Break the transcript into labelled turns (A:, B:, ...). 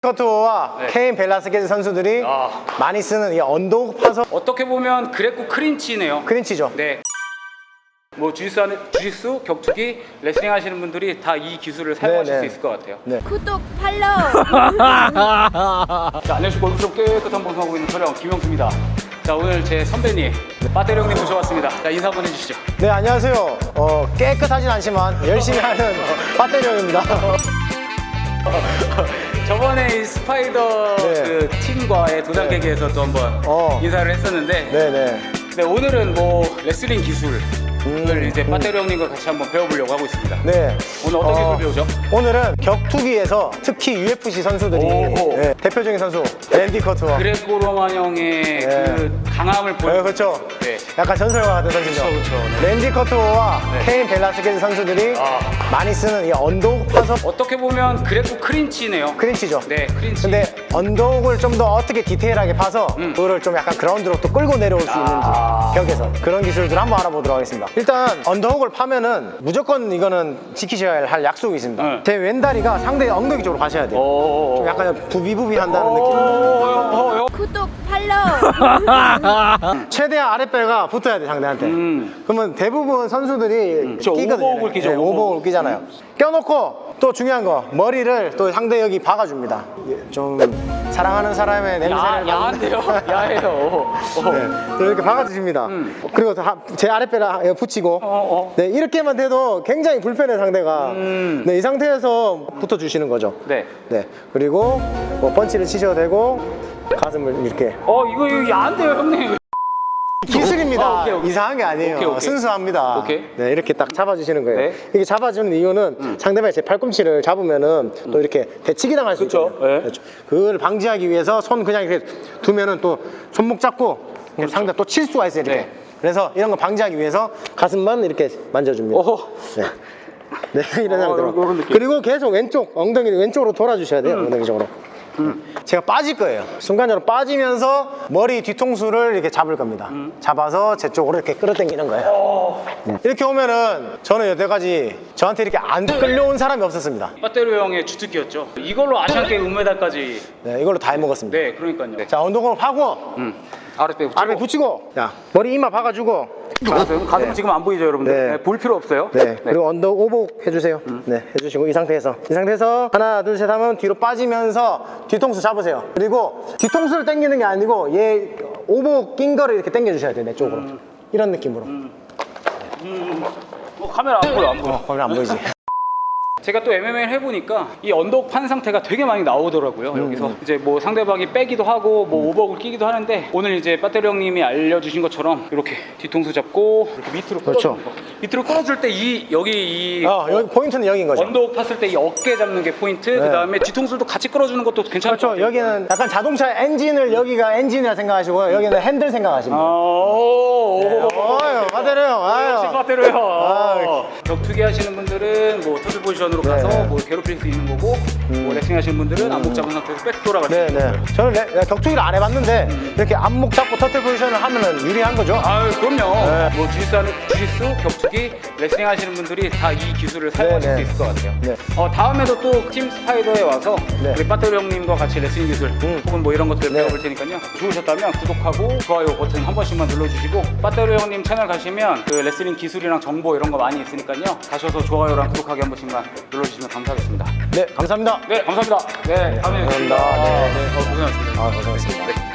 A: 커트와
B: 네.
A: 케인 벨라스케즈 선수들이 많이 쓰는 이 언더훅 파서
B: 어떻게 보면 그레코 크린치네요.
A: 크린치죠.
B: 네. 뭐 주짓수, 격투기, 레슬링 하시는 분들이 다 이 기술을 사용하실 수 있을 것 같아요.
C: 구독, 팔로우.
B: 자, 안녕하십니까. 골프스럽 깨끗한 방송하고 있는 촬영 김영수입니다. 자, 오늘 제 선배님 빠테리 형님 모셔왔습니다. 자, 인사 한번 해주시죠.
A: 네, 안녕하세요. 깨끗하진 않지만 열심히 하는 빠테리 형입니다.
B: 저번에 이 스파이더
A: 네.
B: 그 팀과의 도장 깨기에서 또 한번 인사를 했었는데
A: 네네.
B: 네, 오늘은 뭐 레슬링 기술을 이제 빠테리 형님과 같이 한번 배워보려고 하고 있습니다.
A: 네.
B: 오늘 어떤 기술 배우죠?
A: 오늘은 격투기에서 특히 UFC 선수들이
B: 오.
A: 대표적인 선수 랜디 커트와
B: 그레코 로만 형의 그 강함을 보여.
A: 그렇죠.
B: 네.
A: 약간 전설과 같은 선수죠.
B: 그렇죠. 네.
A: 랜디 커트와
B: 네.
A: 케인 벨라스케즈 선수들이 많이 쓰는 이 언더훅 파서
B: 어떻게 보면 그레코 크린치네요.
A: 크린치죠.
B: 네, 크린치.
A: 근데 언더훅을 좀 더 어떻게 디테일하게 파서 그거를 좀 약간 그라운드로 또 끌고 내려올 수 있는지 벽에서 그런 기술들 한번 알아보도록 하겠습니다. 일단 언더훅을 파면은 무조건 이거는 지키셔야 할 약속이 있습니다.
B: 네.
A: 제 왼다리가 상대의 엉덩이 쪽으로 가셔야 돼요. 좀 약간 부비부비 한다는 느낌.
C: 구독, 팔로우.
A: 최대한 아랫배가 붙어야 돼 상대한테. 그러면 대부분 선수들이 끼거든요.
B: 오버훅을 끼죠.
A: 네, 오버훅을 끼잖아요. 껴놓고 또 중요한 거 머리를 또 상대 여기 박아줍니다. 좀 사랑하는 사람의 냄새를
B: 야한데요? 야해요.
A: 네, 또 이렇게 박아주십니다. 그리고 제 아랫배를 붙이고 네, 이렇게만 돼도 굉장히 불편해 상대가. 네, 이 상태에서 붙어주시는 거죠.
B: 네.
A: 네, 그리고 뭐 펀치를 치셔도 되고 가슴을 이렇게
B: 이거 야한데요, 형님.
A: 기술입니다.
B: 오케이.
A: 이상한 게 아니에요.
B: 오케이.
A: 순수합니다.
B: 오케이.
A: 네, 이렇게 딱 잡아주시는 거예요.
B: 네.
A: 이렇게 잡아주는 이유는 상대방의 제 팔꿈치를 잡으면은 또 이렇게 대치기 당할 수
B: 그쵸.
A: 있거든요.
B: 네.
A: 그렇죠. 그걸 방지하기 위해서 손 그냥 이렇게 두면은 또 손목 잡고 상대 또 칠 수가 있어요. 이렇게.
B: 네.
A: 그래서 이런 거 방지하기 위해서 가슴만 이렇게 만져줍니다.
B: 오호.
A: 네. 네, 이런 상태로.
B: 이런 느낌.
A: 그리고 계속 왼쪽 엉덩이 왼쪽으로 돌아주셔야 돼요. 엉덩이 쪽으로. 제가 빠질 거예요. 순간적으로 빠지면서 머리 뒤통수를 이렇게 잡을 겁니다. 잡아서 제 쪽으로 이렇게 끌어당기는 거예요. 네. 이렇게 오면은 저는 여태까지 저한테 이렇게 안 끌려온 사람이 없었습니다.
B: 빠테리 형의 주특기였죠. 이걸로 아시안게임 은메달까지.
A: 네, 이걸로 다 해먹었습니다.
B: 네, 그러니까요. 네.
A: 자, 운동을 하고
B: 아랫배 붙이고.
A: 아래 붙이고, 자, 머리 이마 박아주고.
B: 가슴
A: 네.
B: 지금 안 보이죠, 여러분들?
A: 네.
B: 네, 볼 필요 없어요.
A: 네, 그리고 언더 오복 해주세요. 네, 해주시고 이 상태에서 하나 둘 셋 하면 뒤로 빠지면서 뒤통수 잡으세요. 그리고 뒤통수를 당기는 게 아니고 얘 오복 낀 거를 이렇게 당겨주셔야 돼요. 내 쪽으로. 이런 느낌으로.
B: 카메라 안 보여, 안 보여.
A: 거기 안 보이지?
B: 제가 또 MMA를 해보니까 이 언더훅 판 상태가 되게 많이 나오더라고요. 여기서 이제 뭐 상대방이 빼기도 하고 뭐 오버훅을 끼기도 하는데 오늘 이제 빠테리 형님이 알려주신 것처럼 이렇게 뒤통수 잡고 이렇게 밑으로
A: 그렇죠.
B: 끌어주는 거. 밑으로 끌어줄 때 여기
A: 여기 포인트는 여기인 거죠.
B: 언더훅 팠을 때 이 어깨 잡는 게 포인트. 그 다음에 뒤통수도 같이 끌어주는 것도 괜찮을 것
A: 그렇죠.
B: 같아요.
A: 여기는 약간 자동차 엔진을 여기가 엔진이라 생각하시고요. 여기는 핸들 생각하시면 돼요. 빠테리 형.
B: 역시 빠테리 형.
A: 아유.
B: 격투기 하시는 분들은 뭐 터틀 포지션으로 가서 뭐 괴롭힐 수 있는 거고 뭐 레슬링 하시는 분들은 안목 잡은 상태에서 백 돌아갈 수 있는 거예요.
A: 저는 격투기를 안 해봤는데 이렇게 안목 잡고 터틀 포지션을 하면은 유리한 거죠.
B: 그럼요. 뭐 주짓수, 격투기, 레슬링 하시는 분들이 다 이 기술을 사용하실 수 있을 것 같아요.
A: 네.
B: 다음에도 또 팀 스파이더에 와서
A: 네.
B: 우리 빠테리 형님과 같이 레슬링 기술 혹은 뭐 이런 것들을
A: 네.
B: 배워볼 테니까요. 좋으셨다면 구독하고 좋아요 버튼 한 번씩만 눌러주시고 빠테리 형님 채널 가시면 그 레슬링 기술이랑 정보 이런 거 많이 있으니까요. 가셔서 좋아요랑 구독하기 한 번씩만 눌러주시면 감사하겠습니다.
A: 네, 감사합니다.
B: 네, 감사합니다. 네, 다음에
A: 감사합니다.
B: 뵙겠습니다.
A: 네.
B: 네, 고생하셨습니다.
A: 고생하셨습니다.
B: 네.